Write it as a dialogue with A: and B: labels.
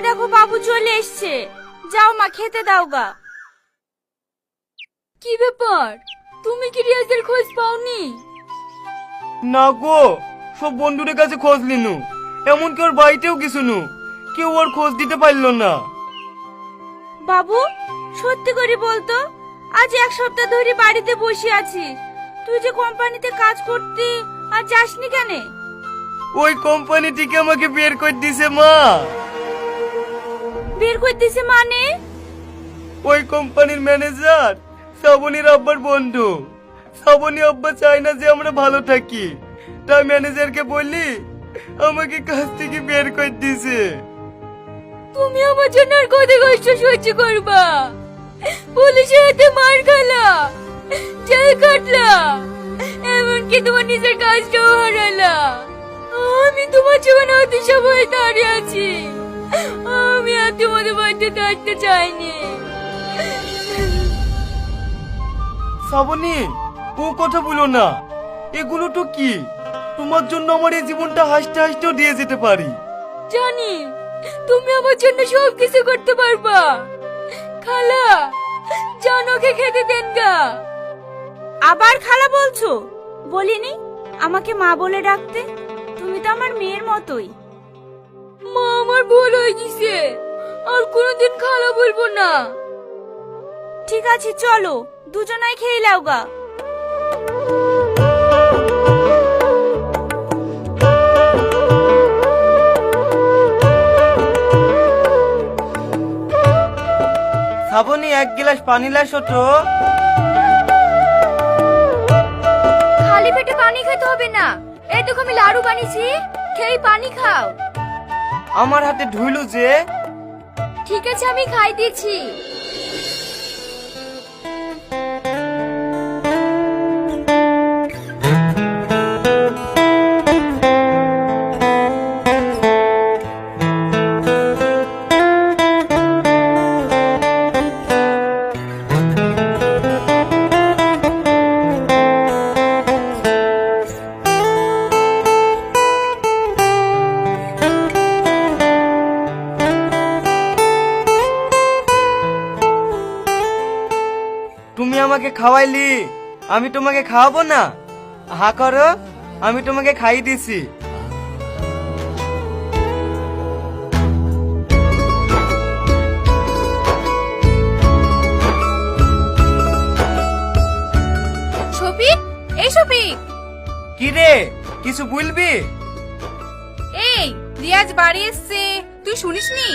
A: দেখো বাবু চলে এসছে, যাও মা খেতে দাও গা। কি ব্যাপার, তুমি কি রিয়াজের খোঁজ পাওনি?
B: না গো, সব বন্ধুদের কাছে খোঁজ নিনু, এমনকি ওর বাড়িতেও কিছু নু, কেউ ওর খোঁজ দিতে পারলো না।
A: বাবু সত্যি করে বলতো, আজ এক সপ্তাহ ধরে বাড়িতে বসে আছিস, তুই যে কোম্পানিতে কাজ করতি আর যাসনি কেন?
B: ওই কোম্পানি থেকে আমাকে বের করে দিছে মা।
A: বের করে দিছে মানে?
B: ওই কোম্পানির ম্যানেজার শ্রাবণীর আব্বার বন্ধু। শ্রাবণী আব্বা চায় না যে আমরা ভালো থাকি, তাই ম্যানেজারকে বললি আমাকে কাজ থেকে বের করে দিছে।
A: তুমি আমার জন্য আর কত কষ্ট সহ্য করবা? পুলিশের হাতে মার খেলা, জেল কাটলা, এমনকি তোমার নিজের কাজটাও হারালা। আমি তোমার জীবনে অতি সময় দাঁড়িয়ে আছি, আমি আর তোমাদের বাড়িতে থাকতে চাইনি।
B: শ্রাবণী, ও কথা বলো না, এগুলো তো কি, তোমার জন্য আমার এই জীবনটা হাসতে হাসতেও দিয়ে যেতে পারি।
A: জানি তুমি আমার জন্য সব কিছু করতে পারবা। খালা, জানোকে খেতে দেন গা। আবার খালা বলছো? বলিনি আমাকে মা বলে ডাকতে? তুমি তো আমার মেয়ের মতোই। মা, আমার ভুল হয়ে গেছে, আর কোনোদিন খালা বলবো না। ঠিক আছে চলো, দুজনাই খেয়ে নাও গা।
B: শ্রাবণী, এক গ্লাস পানি লাসো তো।
A: খালি পেটে পানি খেতে হবে না, এই দেখো আমি লাড়ু বানিয়েছি, খেয়ে পানি খাও।
B: আমার হাতে ধুইলু যে।
A: ঠিক আছে আমি খাই দিয়েছি।
B: তুমি আমাকে খাওয়াইলি, আমি তোমাকে খাওয়াবো না? হা করো, আমি তোমাকে খাইয়ে দিছি।
A: শফিক, এই শফিক।
B: কি রে, কিছু বলবি?
A: এই রিয়াজ বাড়ি এসছে, তুই শুনিসনি?